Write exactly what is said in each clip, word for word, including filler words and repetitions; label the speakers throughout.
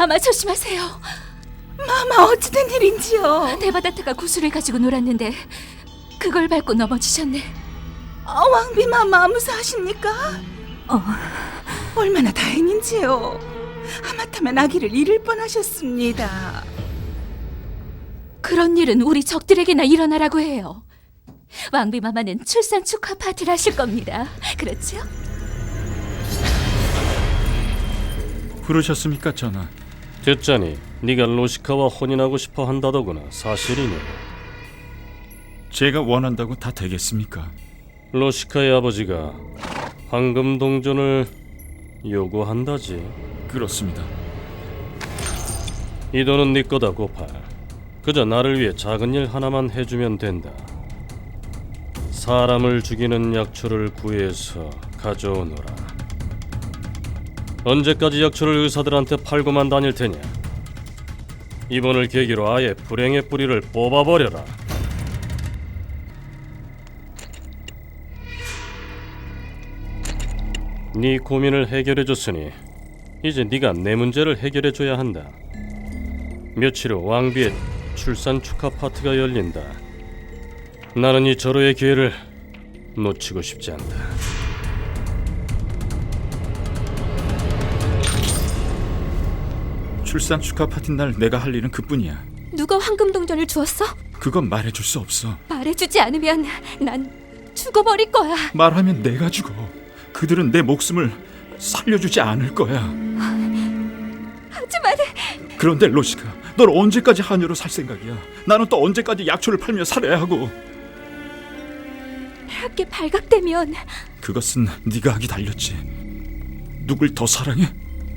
Speaker 1: 마마 조심하세요.
Speaker 2: 마마 어찌된 일인지요?
Speaker 1: 데바다타가 구슬을 가지고 놀았는데 그걸 밟고 넘어지셨네.
Speaker 2: 어, 왕비 마마 무사하십니까?
Speaker 1: 어,
Speaker 2: 얼마나 다행인지요. 하마터면 아기를 잃을 뻔하셨습니다.
Speaker 1: 그런 일은 우리 적들에게나 일어나라고 해요. 왕비 마마는 출산 축하 파티를 하실 겁니다. 그렇죠?
Speaker 3: 부르셨습니까, 전하?
Speaker 4: 듣자니 네가 로시카와 혼인하고 싶어 한다더구나. 사실이냐?
Speaker 3: 제가 원한다고 다 되겠습니까?
Speaker 4: 로시카의 아버지가 황금 동전을 요구한다지.
Speaker 3: 그렇습니다.
Speaker 4: 이 돈은 네 거다, 고팔. 그저 나를 위해 작은 일 하나만 해주면 된다. 사람을 죽이는 약초를 구해서 가져오너라. 언제까지 약초를 의사들한테 팔고만 다닐 테냐? 이번을 계기로 아예 불행의 뿌리를 뽑아버려라. 네 고민을 해결해줬으니 이제 네가 내 문제를 해결해줘야 한다. 며칠 후 왕비의 출산 축하 파티가 열린다. 나는 이 절호의 기회를 놓치고 싶지 않다.
Speaker 3: 출산 축하 파티 날 내가 할 일은 그뿐이야.
Speaker 1: 누가 황금 동전을 주었어?
Speaker 3: 그건 말해줄 수 없어.
Speaker 1: 말해주지 않으면 난 죽어버릴 거야.
Speaker 3: 말하면 내가 죽어. 그들은 내 목숨을 살려주지 않을 거야.
Speaker 1: 하지만
Speaker 3: 그런데 로시카, 널 언제까지 하녀로 살 생각이야? 나는 또 언제까지 약초를 팔며 살아야 하고?
Speaker 1: 학계 발각되면
Speaker 3: 그것은 네가 하기 달렸지. 누굴 더 사랑해?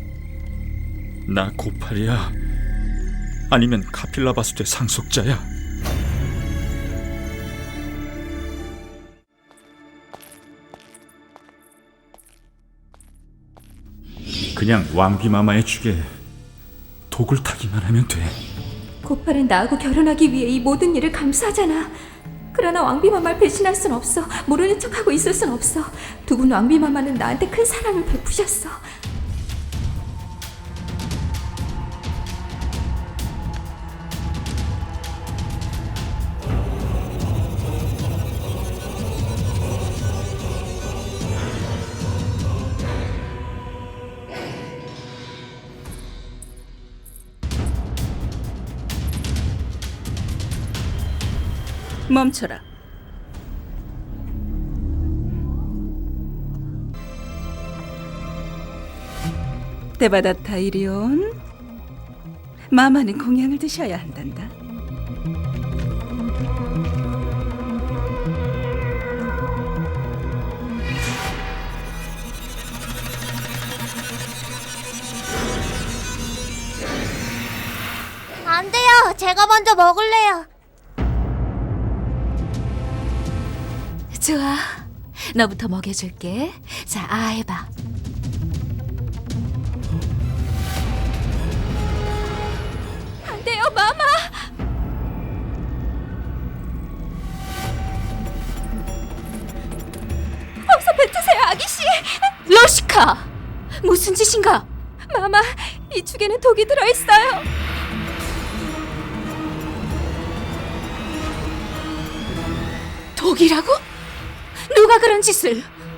Speaker 3: 나 고팔이야? 아니면 카필라바수의 상속자야? 그냥 왕비마마의 죽에 독을 타기만 하면 돼.
Speaker 1: 고팔은 나하고 결혼하기 위해 이 모든 일을 감수하잖아. 그러나 왕비마마를 배신할 순 없어. 모르는 척하고 있을 순 없어. 두 분 왕비마마는 나한테 큰 사랑을 베푸셨어.
Speaker 2: 멈춰라. 데바다타 이리온. 마마는 공양을 드셔야 한단다.
Speaker 5: 안 돼요. 제가 먼저 먹을래요.
Speaker 1: 좋아, 너부터 먹여줄게. 자, 아 해봐. 안 돼요, 마마. 어서 뱉으세요, 아기씨. 로시카, 무슨 짓인가? 마마, 이 죽에는 독이 들어있어요. 독이라고? 누가 그런 짓을?